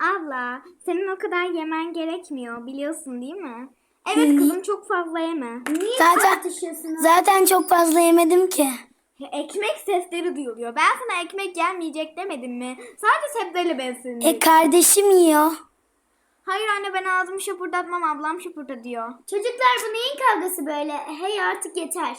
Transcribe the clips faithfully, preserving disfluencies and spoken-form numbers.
Abla, senin o kadar yemen gerekmiyor, biliyorsun değil mi? Evet kızım, çok fazla yeme. Niye Zaten tartışıyorsunuz? zaten çok fazla yemedim ki. Ekmek sesleri duyuluyor. Ben sana ekmek yenmeyecek demedim mi? Sadece sebzeyle bensin. E kardeşim yiyor. Hayır anne, ben ağzımı şapırdatmam, ablam şapırda diyor. Çocuklar bu neyin kavgası böyle? Hey artık yeter.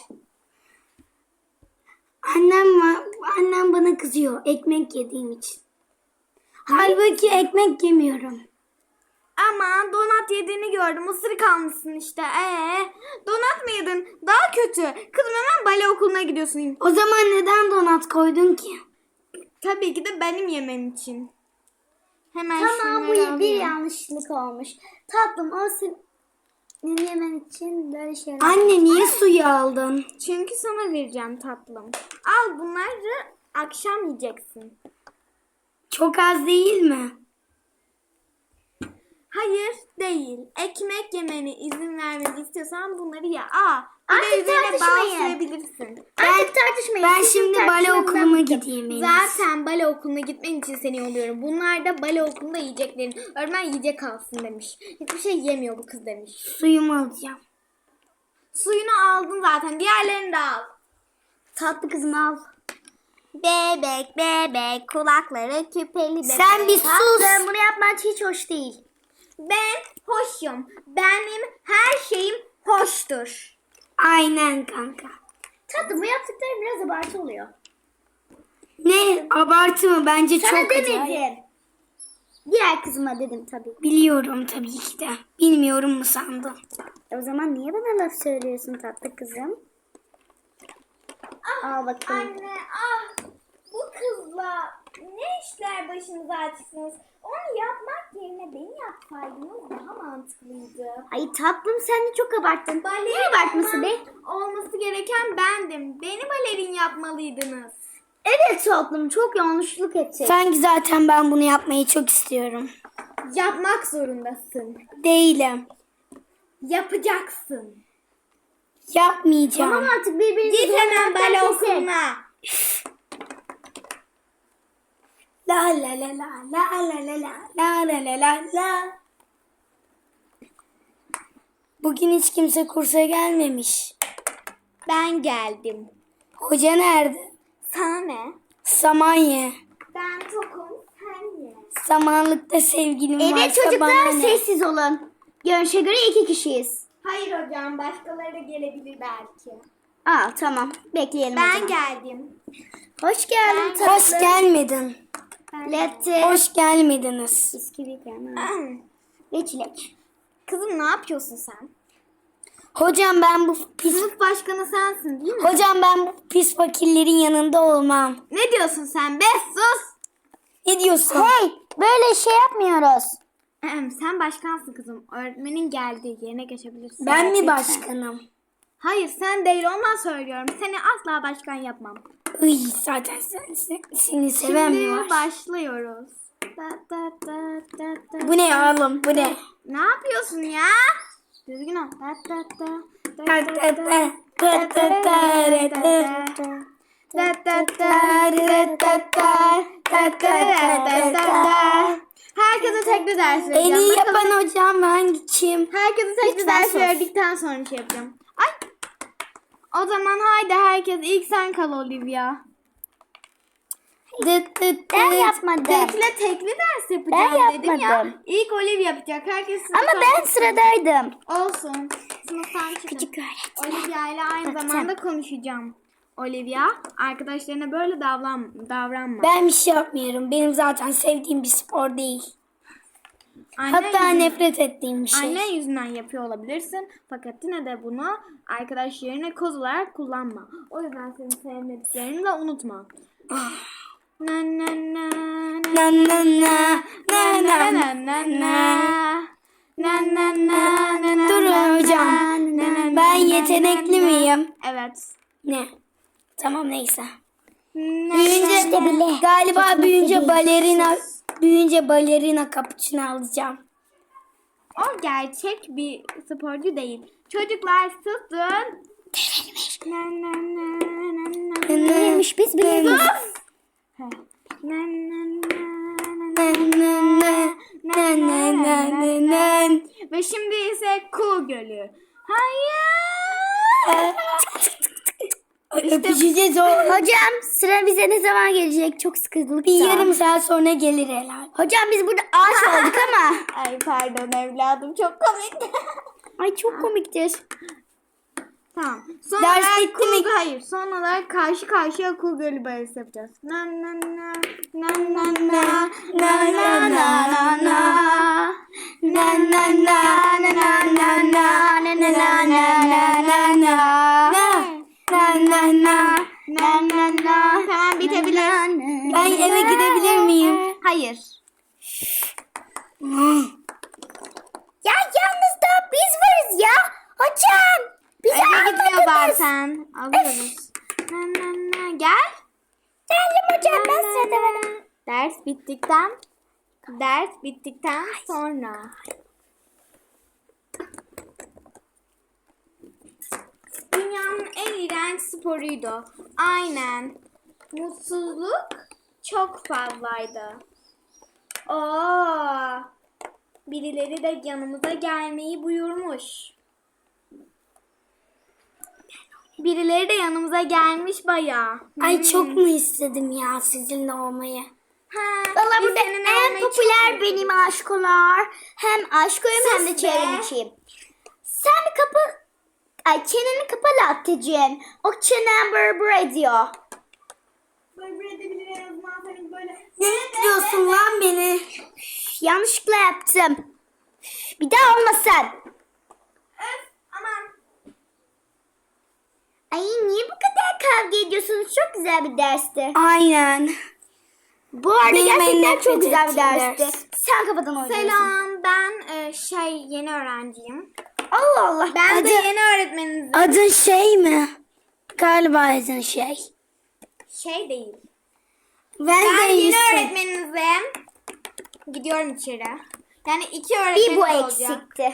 Annem var, annem bana kızıyor ekmek yediğim için. Halbuki ekmek yemiyorum. Ama donat yediğini gördüm. Isırık almışsın işte. Ee, donat mı yedin? Daha kötü. Kızım hemen bale okuluna gidiyorsun. O zaman neden donat koydun ki? Tabii ki de benim yemem için. Hemen Tamam, bu şunları bir alayım. yanlışlık olmuş. Tatlım, o senin yemen için böyle şeyler. Anne niye suyu aldın? Çünkü sana vereceğim tatlım. Al, bunları akşam yiyeceksin. Çok az değil mi? Hayır değil. Ekmek yemeni izin vermeni istiyorsan bunları ye. Aa, bir de Artık üzerine bal tartışmayın. sürebilirsin. Artık tartışmayın. Ben Sizin şimdi bale tartışmanızdan okuluma bıktım. gideyim en iyisi. Zaten bale okuluna gitmen için seni yolluyorum. Bunlar da bale okulunda yiyeceklerin. Öğretmen yiyecek alsın demiş. Hiçbir şey yemiyor bu kız demiş. Suyumu alacağım. Suyunu aldın zaten. Diğerlerini de al. Tatlı kızım al. Bebek bebek kulakları küpeli bebek. Sen bir sus. Tatlım, bunu yapman hiç hoş değil. Ben hoşum. Benim her şeyim hoştur. Aynen kanka. Tatlım, bu yaptıkların biraz abartı oluyor. Ne abartı mı? Bence Sana çok acayip. demedim. Diğer kızıma dedim tabii. Biliyorum tabii ki de. Bilmiyorum mu sandın? E o zaman niye bana laf söylüyorsun tatlı kızım? Al bakalım. Anne ah, bu kızla ne işler başınıza açtınız? Onu yapmak yerine beni yapsaydınız daha mantıklıydı. Ay tatlım, sen de çok abarttın. Balerin Ne abartması be? olman- Olması gereken bendim. Beni balerin yapmalıydınız. Evet tatlım, çok yanlışlık ettik. Sanki zaten ben bunu yapmayı çok istiyorum. Yapmak zorundasın. Değilim. Yapacaksın. Yapmayacağım. Tamam, artık birbirinizi Git hemen zorlamaktan bale kesin. okuluna. La la la la la la la la la la la la. Bugün hiç kimse kursa gelmemiş. Ben geldim. Hoca nerede? Sana ne? Samanye. Ben tokum, sen ye. Samanlıkta sevgilim varsa Evet çocuklar, bana ne? sessiz olun. Görünüşe göre iki kişiyiz. Hayır hocam, başkaları gelebilir belki. Aa tamam, bekleyelim o Ben zaman. geldim. Hoş geldin Ben- tatlım. Hoş gelmedin. Latte. Hoş gelmediniz. Bisküvi krema. Ve çilek. Kızım, ne yapıyorsun sen? Hocam ben bu pis Sınıf başkanı sensin değil mi? Hocam ben bu pis fakirlerin yanında olmam. Ne diyorsun sen be? Sus! Ne diyorsun? Hey, böyle şey yapmıyoruz. Ahem, sen başkansın kızım. Öğretmenin geldi. Yerine geçebilirsin. Ben mi lütfen. başkanım? Hayır, sen değil, ondan söylüyorum. Seni asla başkan yapmam. Iy, zaten sen, sen- seni seven mi Şimdi var? başlıyoruz. Da, da, da, da, da. Bu ne oğlum? Bu ne? Ne yapıyorsun ya? Düzgün ol. Da, da, da, da, Ta da, ta da. ta, ta ta ta, re ta. Da, da, da, re, ta, ta. Da, da, da, da, da. Herkese tekli ders En vereceğim. iyi Bakalım- yapan hocam hangi kim? Herkese tekli Lütfen ders sus. verdikten sonra şey yapacağım. Ay. O zaman haydi herkes, ilk sen kal Olivia. Dıt dıt Ben dıt. yapmadım. Tekle tekli ders yapacağım Ben dedim ya. yapmadım. İlk Olivia yapacak. Herkes Ama sınıftan ben sıradaydım. olsun. Sınıftan çıkın. Küçük öğretmen. Olivia ile aynı Baktım. zamanda konuşacağım. Olivia, arkadaşlarına böyle davran davranma. Ben bir şey yapmıyorum. Benim zaten sevdiğim bir spor değil. Annen Hatta yüzünden- nefret ettiğim bir şey. Annen yüzünden yapıyor olabilirsin. Fakat yine de bunu arkadaşlarına koz olarak kullanma. O yüzden seni sevmediklerini de unutma. Na na na Na na na na na. na na na. Na na na na na. Durun hocam. Na na na Ben na yetenekli na. miyim? Evet. Ne? Tamam neyse. Na Büyüyünce İşte bile. galiba Yetenekli büyüyünce değil. balerina büyüyünce balerina cappuccino alacağım. O gerçek bir sporcu değil. Çocuklar susun. Na na na na na. Neymiş biz biliyoruz. Na na na na Na na na nen nen. Ve şimdi ise Kuğu Gölü. Hayır. Öpüşeceğiz o. Hocam sıra bize ne zaman gelecek? Çok sıkıldık. Bir yarım saat sonra gelir herhalde. Hocam biz burada ağaç olduk ama. Ay pardon evladım çok komik. Ay çok komiktir. Tamam. Son Ders olarak bitti Kuğu- mi? Hayır. Son olarak karşı karşıya Kuğu Gölü balesi yapacağız. Na na na na na na Na na na na na. Na na na na na na na. Na na na na na na. Na na na. na na na. Tamam bitebilir. Ben eve gidebilir miyim? Hayır. Ya yalnız da biz varız ya. Hocam. Bize Eve gitmiyor anlatınız. zaten. Alıyoruz. Na na na. Gel. Geldim hocam ben sırada varım. Ders bittikten ders bittikten sonra. Dünyanın en iğrenç sporuydu. Aynen. Mutsuzluk çok fazlaydı. Oo. Birileri de yanımıza gelmeyi buyurmuş. Birileri de yanımıza gelmiş bayağı. Ay Hmm. çok mu istedim ya sizinle olmayı. Ha, Valla biz burada seninle en olmayı çok popüler seviyoruz. benim aşkolar. Hem aşkoyum hem de Sus çevrim be. içiyim. Sen bir kapı... Ay çeneni kapa Latte'cim. O çenen bır ediyor. Böyle edebilir en azından senin böyle. Ne diyorsun lan beni? Yanlışlıkla yaptım. Bir daha olmasın. Öf aman. Ay niye bu kadar kavga ediyorsunuz? Çok güzel bir dersti. Aynen. Bu arada Benim en gerçekten nefret çok güzel bir ettiğim dersti. ders. Sen kafadan oynuyorsun. Selam ben e, şey yeni öğrenciyim. Allah Allah. Ben de Adı- yeni öğretmeninizim. Adın şey mi? Galiba adın şey. Şey değil. Ben, Ben de yeni Yusuf. öğretmeninizim. Gidiyorum içeri. Yani iki öğretmenim Bir bu olacak. eksikti.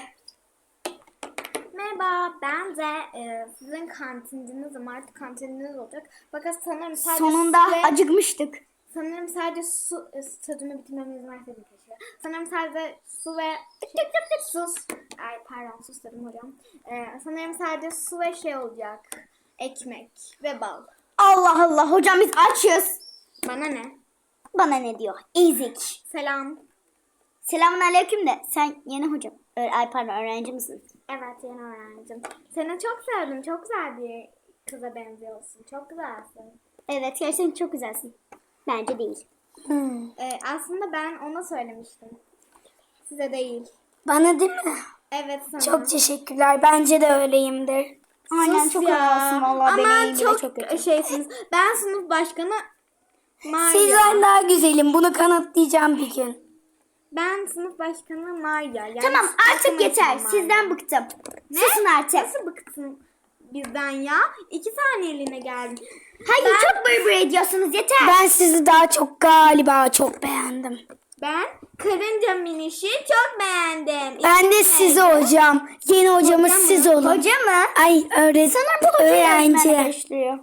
Merhaba ben de e, sizin kantincinizim. Artık kantininiz olacak. Fakat sanırım sadece Sonunda su ve- acıkmıştık. sanırım sadece su e, tadını bitirmeme izin verseydim keşke. Sanırım sadece su ve sus. Ay pardon sus dedim hocam. E, sanırım sadece su ve şey olacak. Ekmek ve bal. Allah Allah hocam biz açız. Bana ne? Bana ne diyor? Ezik. Selam. Selamun aleyküm de sen yeni hocam. Ö- Ay pardon öğrenci misin? Evet yeni öğrencim. Seni çok sevdim. Çok güzel bir kıza benziyorsun. Çok güzelsin. Evet gerçekten çok güzelsin. Bence değil. Hmm. Ee, aslında ben ona söylemiştim. Size değil. Bana değil mi? Evet sana. Çok teşekkürler. Bence de öyleyimdir. Aynen Sus çok ya. havalısın valla. Ama Benim çok, çok kötü. şeysiniz. Ben sınıf başkanı Maria. Sizden daha güzelim. Bunu kanıtlayacağım bir gün. Ben sınıf başkanı Maria. Yani Tamam sınıf artık başkanı yeter. Maria. Sizden bıktım. Ne? Susun artık. Nasıl bıktın bizden ya? İki saniyeliğine geldin. Hayır Ben- çok bır bır ediyorsunuz yeter. Ben sizi daha çok galiba çok beğendim. Ben karınca minişi çok beğendim. Ben de İsmi sizi neydi? hocam. Yeni hocamız Hoca mı? siz olun. Hoca mı? Ay öğretmen. Öğrenci. Karıştırıyor.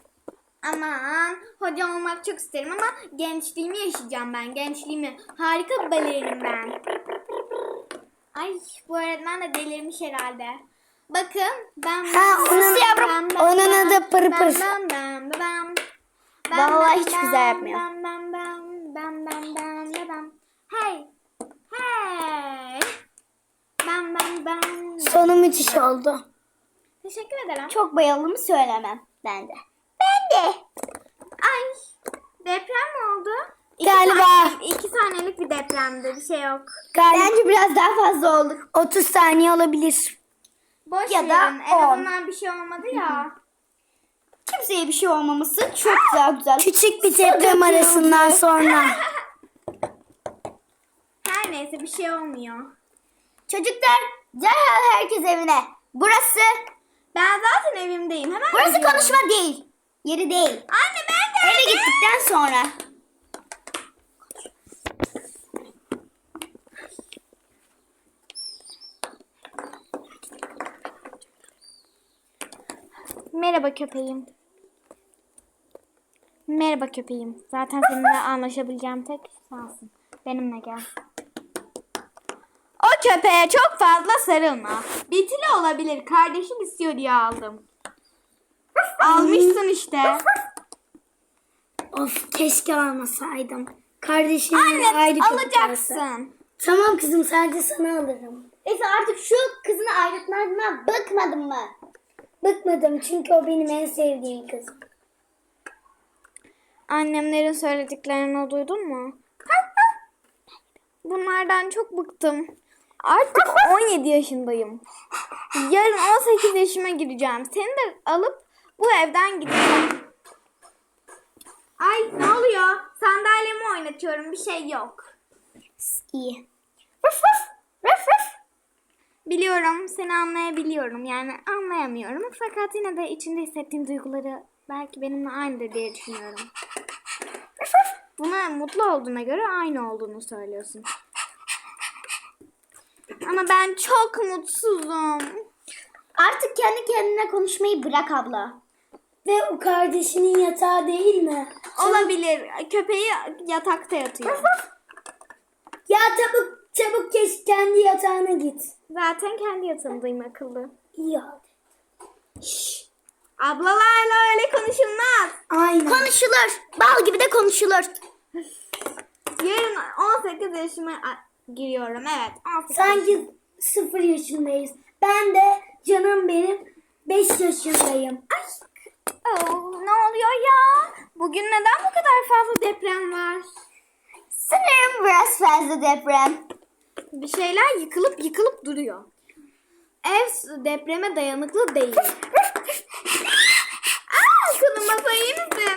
Aman hoca olmak çok isterim ama gençliğimi yaşayacağım ben. Gençliğimi. Harika bir balerinim ben. Ay bu öğretmen de delirmiş herhalde. Bakın ben Ha, onun- onun adı Pır Pır. Ben ben ben ben Vallahi hiç güzel yapmıyor. Ben ben ben ben ben ben ben ben Hey hey ben ben ben Sonu müthiş oldu. Teşekkür ederim. Çok bayıldığımı söylemem. Ben de. Ben de. Ay deprem mi oldu? İki Galiba. saniyelik, iki saniyelik bir depremdi. Bir şey yok. Galiba Bence biraz daha fazla olduk. otuz saniye olabilir. Boş Ya da verin. En on. azından bir şey olmadı ya. Kimseye bir şey olmaması çok daha güzel. Küçük bir deprem arasından sonra. Her neyse bir şey olmuyor. Çocuklar derhal herkes evine. Burası Ben zaten evimdeyim. Hemen burası gidiyorum. konuşma değil. Yeri değil. Anne ben de. Eve gittikten sonra. Merhaba köpeğim. Merhaba köpeğim. Zaten seninle anlaşabileceğim tek sensin. Benimle gel. köpeğe çok fazla sarılma. Bitili olabilir. Kardeşim istiyor diye aldım. Almışsın işte. Of keşke almasaydım. Kardeşim Anne ayrı köpek alsa. alacaksın. Tamam kızım sadece sana alırım. Efe artık şu kızını ayrıtmadığına bıkmadın mı? Bıkmadım çünkü o benim en sevdiğim kızım. Annemlerin söylediklerini duydun mu? Bunlardan çok bıktım. Artık on yedi yaşındayım. Yarın on sekiz yaşıma gireceğim. Seni de alıp bu evden gideceğim. Ay ne oluyor? Sandalyemi oynatıyorum. Bir şey yok. İyi. Biliyorum. Seni anlayabiliyorum. Yani anlayamıyorum. Fakat yine de içinde hissettiğin duyguları belki benimle aynıdır diye düşünüyorum. Buna mutlu olduğuna göre aynı olduğunu söylüyorsun. Ama ben çok mutsuzum. Artık kendi kendine konuşmayı bırak abla. Ve o kardeşinin yatağı değil mi? Olabilir. Köpeği yatakta yatıyor. Ya çabuk çabuk geç kendi yatağına git. Zaten kendi yatağındayım akıllı. İyi hadi. Ablalarla öyle konuşulmaz. Aynen. Konuşulur. Bal gibi de konuşulur. Yarın on sekiz yaşıma a- giriyorum. Evet. on sekiz yaşıma. Sanki sıfır yaşındayız. Ben de canım benim beş yaşındayım. Ay. Oh, ne oluyor ya? Bugün neden bu kadar fazla deprem var? Sanırım biraz fazla deprem. Bir şeyler yıkılıp yıkılıp duruyor. Ev depreme dayanıklı değil. Aa, kızım masaya iyi misin?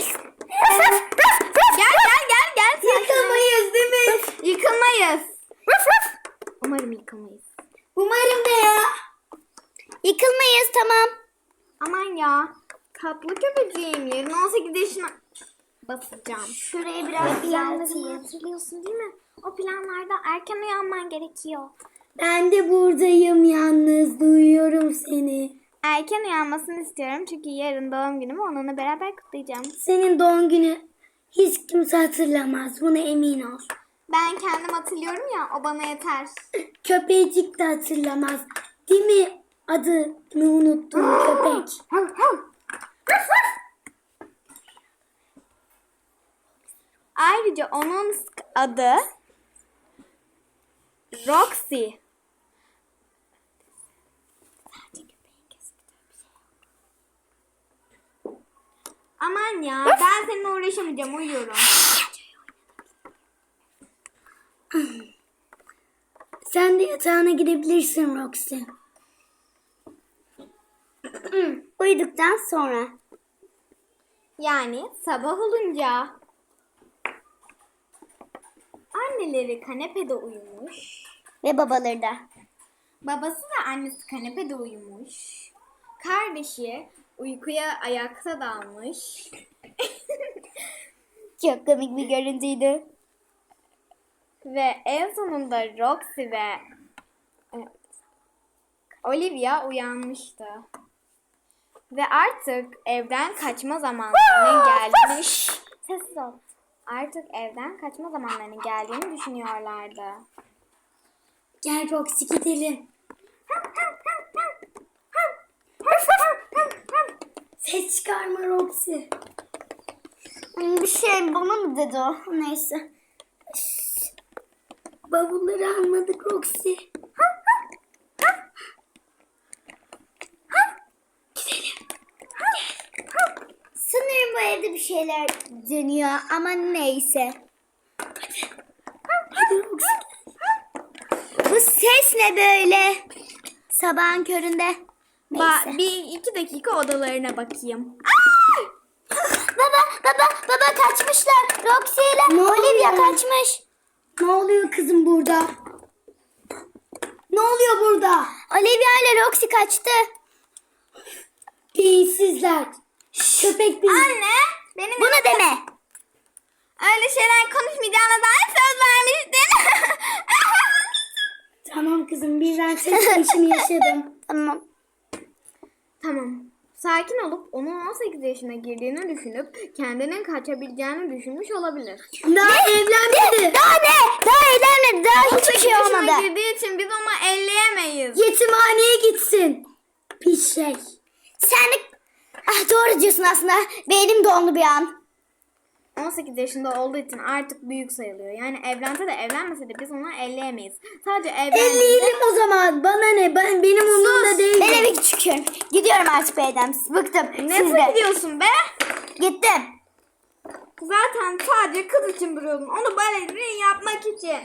Gel gel gel gel. Sen Yıkamayız değil mi? şuraya- Yıkılmayız. Umarım yıkılmayız. Umarım da ya. Yıkılmayız tamam. Aman ya. Tatlı köpeceğim. Yarın on sekiz yaşına basacağım. Şuraya biraz Planlarımı düzelteyim. hatırlıyorsun değil mi? O planlarda erken uyanman gerekiyor. Ben de buradayım yalnız. Duyuyorum seni. Erken uyanmasını istiyorum çünkü yarın doğum günümü onunla beraber kutlayacağım. Senin doğum günü hiç kimse hatırlamaz. Buna emin ol. Ben kendim hatırlıyorum ya, o bana yeter. Köpecik de hatırlamaz. Değil mi? Adını unuttum köpek. Ayrıca onun adı Roxy. Aman ya, ben seninle uğraşamayacağım, uyuyorum. Sen de yatağına gidebilirsin Roxy. Uyuduktan sonra. Yani sabah olunca. Anneleri kanepede uyumuş. Ve babaları da. Babası ve annesi kanepede uyumuş. Kardeşi uykuya ayakta dalmış. Çok komik bir görüntüydü. Ve en sonunda Roxy ve e, Olivia uyanmıştı. Ve artık evden kaçma zamanlarının gelmiş. Sessiz ol. Artık evden kaçma zamanlarının geldiğini düşünüyorlardı. Gel Roxy gidelim. Ses çıkarma Roxy. Bir şey bana mı dedi o? Neyse. Bavulları almadık Roxy. Sanırım bu evde bir şeyler dönüyor ama neyse. Hadi Roxy. Bu ses ne böyle? Sabahın köründe. Ba- Neyse. bir iki dakika odalarına bakayım. Baba baba baba kaçmışlar. Roxy ile Ne Olivia oluyor? kaçmış. Ne oluyor kızım burada? Ne oluyor burada? Olivia ile Roxy kaçtı. Beyinsizler. Köpek beyin. Anne, benim Bunu deme. öyle şeyler konuşmayacağına dair söz vermiştin. Tamam kızım birden ses değişimi yaşadım. Tamam. Tamam. sakin olup onun on sekiz yaşına girdiğini düşünüp kendinin kaçabileceğini düşünmüş olabilir. Daha evlenmedi. Daha ne? Daha evlenmedi. Daha hiçbir şey Yaşına olmadı. girdiği için biz onu elleyemeyiz. Yetimhaneye gitsin. Pis şey. Sen de... Ah, doğru diyorsun aslında. Beynim dondu bir an. on sekiz yaşında olduğu için artık büyük sayılıyor. Yani evlense de evlenmese de biz onu elleyemeyiz. Sadece evlense elleyelim o zaman. Bana ne? Ben benim umurumda değil. Ben eve küçüküm. Gidiyorum artık beyden. Bıktım. Ne Siz de. gidiyorsun be? Gittim. Zaten sadece kız için duruyordun. Onu balerin yapmak için.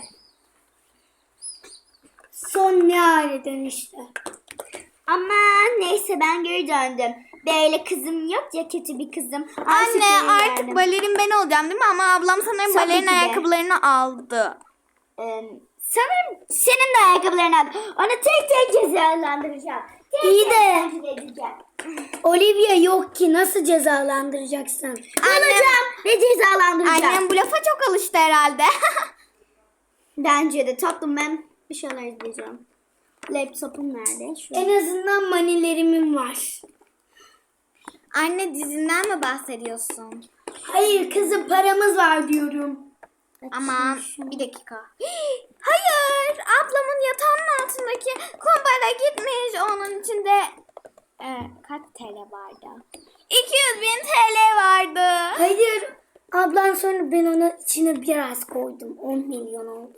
Son ne aileden işte. Ama neyse ben geri döndüm. Böyle kızım yok ya, kötü bir kızım. Anne artık balerin ben olacağım değil mi? Ama ablam sanırım Tabii balerin ki de. ayakkabılarını aldı. Ee, sanırım senin de ayakkabılarını al. Onu tek tek cezalandıracağım. Tek İyi tek de- takip edeceğim. Olivia yok ki, nasıl cezalandıracaksın? Alacağım ve cezalandıracağım. Annem bu lafa çok alıştı herhalde. Bence de tatlım, ben bir şeyler izleyeceğim. Laptopum nerede? Şu. En azından manilerimin var. Anne dizinden mi bahsediyorsun? Hayır kızım, paramız var diyorum. Aman bir dakika. Hayır, ablamın yatağının altındaki kumbara gitmiş. Onun içinde e, kaç T L vardı? iki yüz bin T L vardı. Hayır. Ablan sonra ben ona içine biraz koydum. on milyon oldu.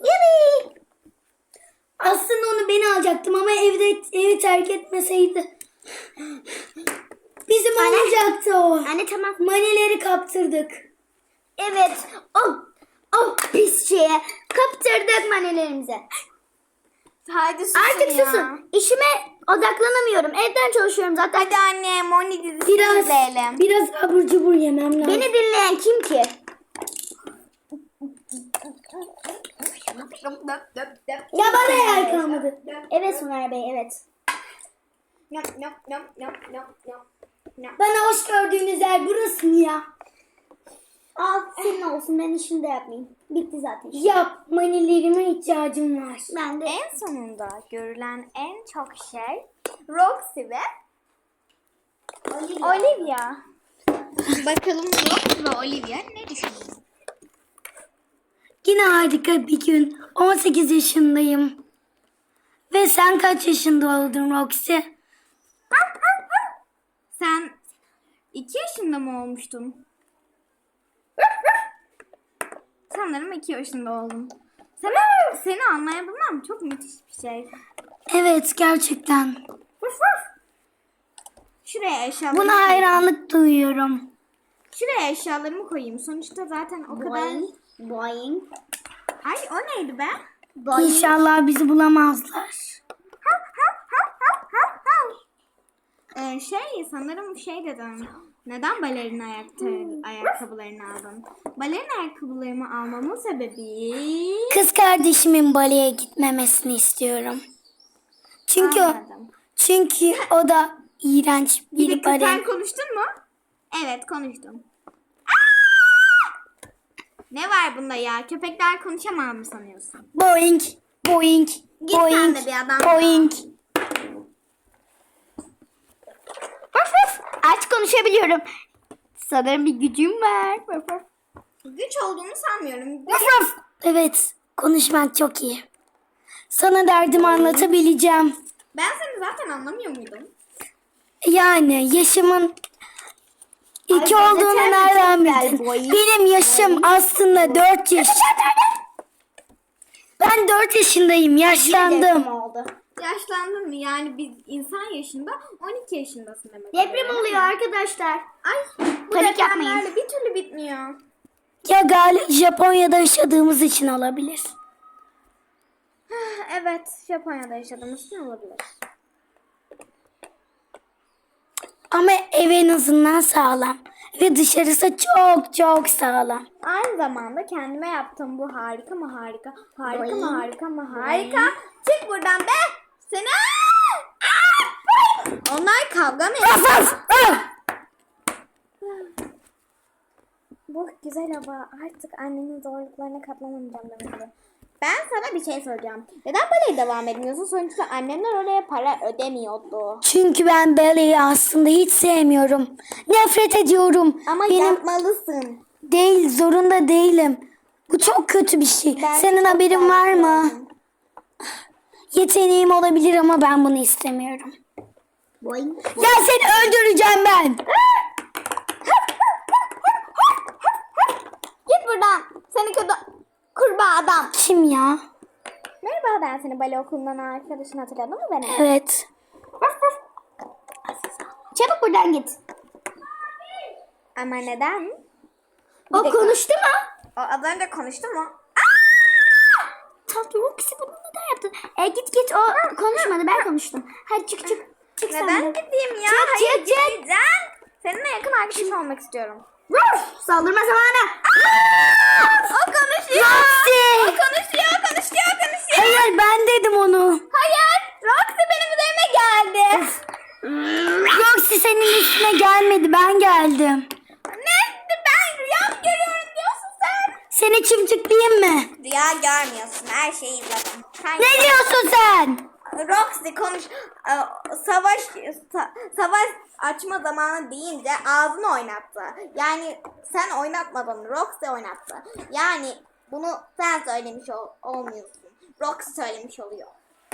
Aslında onu ben alacaktım ama evde evi terk etmeseydi. Bizim olacaktı o. Anne tamam. Manileri kaptırdık. Evet. O, o pis şeye kaptırdık manelerimize. Hadi susun Artık ya. susun. İşime odaklanamıyorum. Evden çalışıyorum zaten. Hadi anne Moni dizisini Biraz izleyelim. biraz abur cubur yemem lazım. Beni dinleyen kim ki? Ya bana yer kalmadı. Evet Soner Bey, evet. Bana hoş gördüğünüz yer burası mı ya? Al senin olsun, ben işimi de yapmayayım. Bitti zaten. Yap, manilerime ihtiyacım var. Ben de En sonunda görülen en çok şey Roxy ve Olivia. Olivia. Bakalım Roxy ve Olivia ne düşünüyor? Yine harika bir gün. on sekiz yaşındayım. Ve sen kaç yaşında oldun Roxy? Sen iki yaşında mı olmuştun? Sanırım iki yaşında oldum. Sen, seni anlayabilmem çok müthiş bir şey. Evet, gerçekten. Şuraya eşyalarımı Buna koyayım. hayranlık duyuyorum. Şuraya eşyalarımı koyayım. Sonuçta zaten o kadar... Boing. Boing. Ay o neydi be? Boing. İnşallah bizi bulamazlar. Ee, şey sanırım şey dedim. Neden balerin ayakta, ayakkabılarını aldın? Balerin ayakkabılarımı almamın sebebi... Kız kardeşimin baleye gitmemesini istiyorum. Çünkü o, Anladım. çünkü o da iğrenç Bir bir dakika, sen bale. konuştun mu? Evet konuştum. Aa! Ne var bunda ya? Köpekler konuşamaz mı sanıyorsun? Boing, boing, Git sen boing, de bir adam. boing. Vaf vaf. Aç konuşabiliyorum. Sanırım bir gücüm var. Vaf vaf. Güç olduğunu sanmıyorum. Vaf vaf. Evet, konuşmak çok iyi. Sana derdimi anlatabileceğim. Ben seni zaten anlamıyor muydum? Yani yaşımın iki Ay, olduğunu ben de nereden tercih bildin? ederim. Boing, Benim yaşım aslında dört yaş. Ben dört yaşındayım, yaşlandım. Deprem oldu. Yaşlandın mı? Yani biz insan yaşında on iki yaşındasın demek. Deprem oluyor. oluyor arkadaşlar. Ay bu Panik depremlerle yapmayın. bir türlü bitmiyor. Ya galiba Japonya'da yaşadığımız için olabilir. Evet, Japonya'da yaşadığımız için olabilir. Ama ev en azından sağlam. Ve dışarısı çok çok sağlam. Aynı zamanda kendime yaptığım bu harika mı harika, harika mı Boing. harika mı harika. Çık buradan be! Seni... Aa! Onlar kavga mı ediyor? Vaf vaf, vaf. Bu güzel hava artık annenin zorluklarına katlanamayacağım demek oluyor. Ben sana bir şey soracağım. Neden baleye devam etmiyorsun? Sonuçta annemler oraya para ödemiyordu. Çünkü ben baleyi aslında hiç sevmiyorum. Nefret ediyorum. Ama Benim yapmalısın. değil, zorunda değilim. Bu çok kötü bir şey. Ben Senin çok haberin var mı? seviyorum. Yeteneğim olabilir ama ben bunu istemiyorum. Boing. Ya seni öldüreceğim ben. Git buradan. Seni kötü kurbağa adam. Kim ya? Merhaba, ben seni bale okulundan arkadaşın, hatırladın mı beni? Evet. Çabuk buradan git. Ama neden? O dakika. konuştu mu? O az önce konuştu mu? Tatlı Roxy bunu neden yaptın? E, git git o konuşmadı ben konuştum. Hadi çık çık. Çık sen Neden de. gideyim ya? Çık, Hayır, çık, çık. gideceğim. Seninle yakın arkadaşım olmak istiyorum. Ruf! Saldırma zamanı. O konuşuyor. Roxy! O konuşuyor, konuşuyor, konuşuyor. Hayır ben dedim onu. Hayır. Roxy benim üzerime geldi. Roxy senin üstüne gelmedi, ben geldim. Ne? Ben rüya mı görüyorum diyorsun sen? Seni çimçikleyeyim mi? Rüya görmüyorsun. Her şeyi izledim. Sen Ne diyorsun sen? Roxy konuş. e, Savaş sa- savaş açma zamanı deyince ağzını oynattı. Yani sen oynatmadın. Roxy oynattı. Yani bunu sen söylemiş ol- olmuyorsun. Roxy söylemiş oluyor.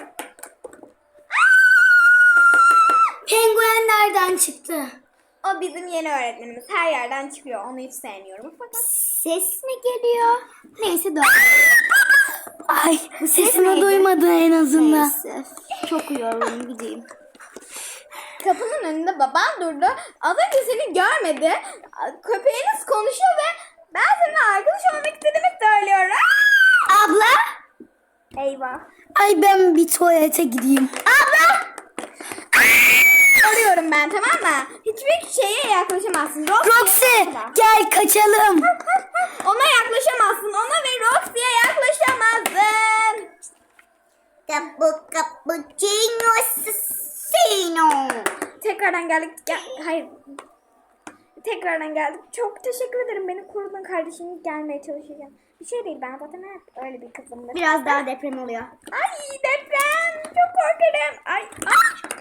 Penguen nereden çıktı? O bizim yeni öğretmenimiz. Her yerden çıkıyor. Onu hiç sevmiyorum. Fakat Ses mi geliyor? Neyse dur. Ay sesimi neydi? duymadı en azından. Neyse. Çok uyuyorum gideyim. kapının önünde baban durdu. Az önce seni görmedi. Köpeğiniz konuşuyor ve ben seninle arkadaş olmak istediğimi söylüyorum. Abla? Eyvah. Ay ben bir tuvalete gideyim. Abla! Arıyorum ben, tamam mı? Hiçbir şeye yaklaşamazsın. Roxy. Roxy gel kaçalım. Ona yaklaşamazsın. Ona ve Roxy'ye yaklaşamazsın. Capu cappuccino assassino. Tekrardan geldik. Gel, hayır. Tekrardan geldik. Çok teşekkür ederim. Beni korudun kardeşim. Gelmeye çalışacağım. Bir şey değil, ben zaten hep öyle bir kızımdır. Biraz daha deprem oluyor. Ay deprem. Çok korkarım. Ay. Ay.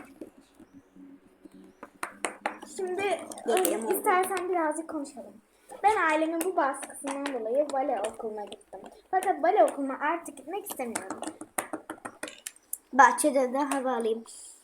Şimdi Deprem oldu. istersen birazcık konuşalım. Ben ailemin bu baskısından dolayı bale okuluna gittim. Fakat bale okuluna artık gitmek istemiyorum. Bahçede de hava alayım.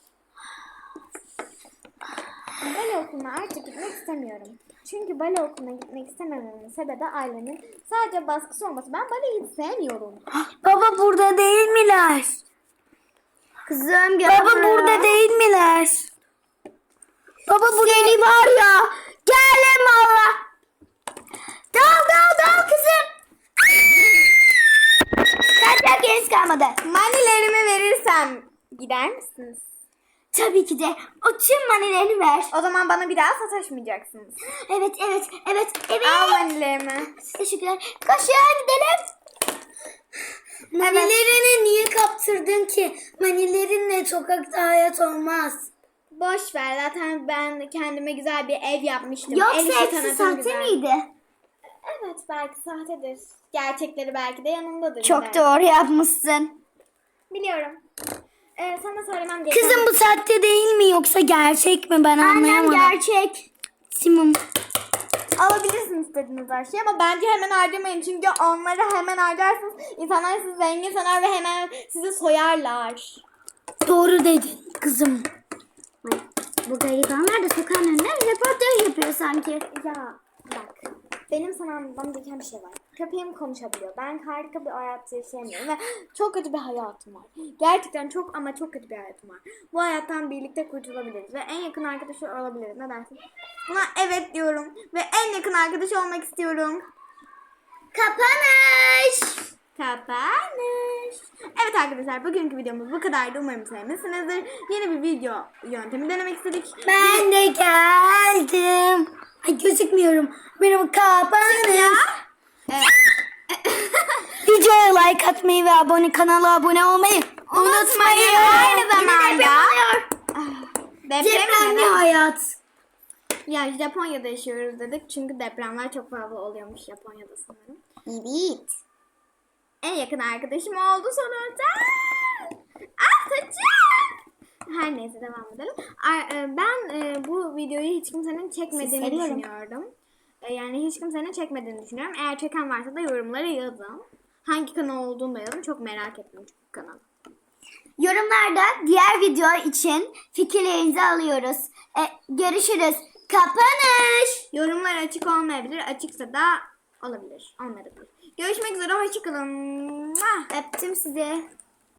Bale okuluna artık gitmek istemiyorum. Çünkü bale okuluna gitmek istemememin sebebi ailemin sadece baskısı olması. Ben baleyi hiç sevmiyorum. Baba burada değil miler? Kızım gel Baba buraya. burada değil miler? Baba burada Seni var ya. Gelin valla. Dal dal dal kızım. Kaçacak yeriniz kalmadı. Manilerimi verirsem gider misiniz? Tabii ki de. O tüm manilerini ver. O zaman bana bir daha sataşmayacaksınız. Evet evet evet evet. Al manilerimi. Teşekkürler. Koşun gidelim. Manilerini niye kaptırdın ki? Manilerinle sokakta hayat olmaz. Boş ver, zaten ben kendime güzel bir ev yapmıştım. El Yoksa işi hepsi tanıtım sahte güzel. miydi? Evet, belki sahtedir. Gerçekleri belki de yanındadır. Çok yine. doğru yapmışsın. Biliyorum. Ee, sana söylemem gereken... Kızım bu sahte değil mi yoksa gerçek mi? Ben Annem anlayamadım. gerçek. Simum. Alabilirsin istediğiniz her şeyi ama bence hemen harcamayın. Çünkü onları hemen harcarsınız. İnsanlar sizi zengin sanar ve hemen sizi soyarlar. Doğru dedin kızım. Bu garibanlar da sokağın önüne röportaj yapıyor sanki. Ya bak, benim sana anlatmam gereken bir şey var. Köpeğim konuşabiliyor. Ben harika bir hayat yaşayamıyorum ve çok kötü bir hayatım var. Gerçekten çok ama çok kötü bir hayatım var. Bu hayattan birlikte kurtulabiliriz ve en yakın arkadaşı olabiliriz. Ne dersin? Buna evet diyorum ve en yakın arkadaş olmak istiyorum. Kapanış. Kapanış. Evet arkadaşlar, bugünkü videomuz bu kadardı. Umarım sevmişsinizdir. Yeni bir video yöntemi denemek istedik. Ben de geldim. Ay gözükmüyorum. Benim kapanış. Videoya like atmayı ve abone kanala abone olmayı unutmayın. Aynı zamanda Depremli deprem hayat. Ya Japonya'da yaşıyoruz dedik çünkü depremler çok fazla oluyormuş Japonya'da sanırım. Evet. en yakın arkadaşım oldu sonunda. Ah saçım. Her neyse devam edelim. Ar- e, Ben e, bu videoyu hiç kimsenin çekmediğini Sizi seviyorum. düşünüyordum. E, Yani hiç kimsenin çekmediğini düşünüyorum. Eğer çeken varsa da yorumlara yazın. Hangi kanal olduğunu da yazın. Çok merak ettim çünkü kanalı. Yorumlarda diğer video için fikirlerinizi alıyoruz. E, görüşürüz. Kapanış. Yorumlar açık olmayabilir. Açıksa da olabilir. Olmayabilir. Görüşmek üzere. Hoşçakalın. Öptüm sizi.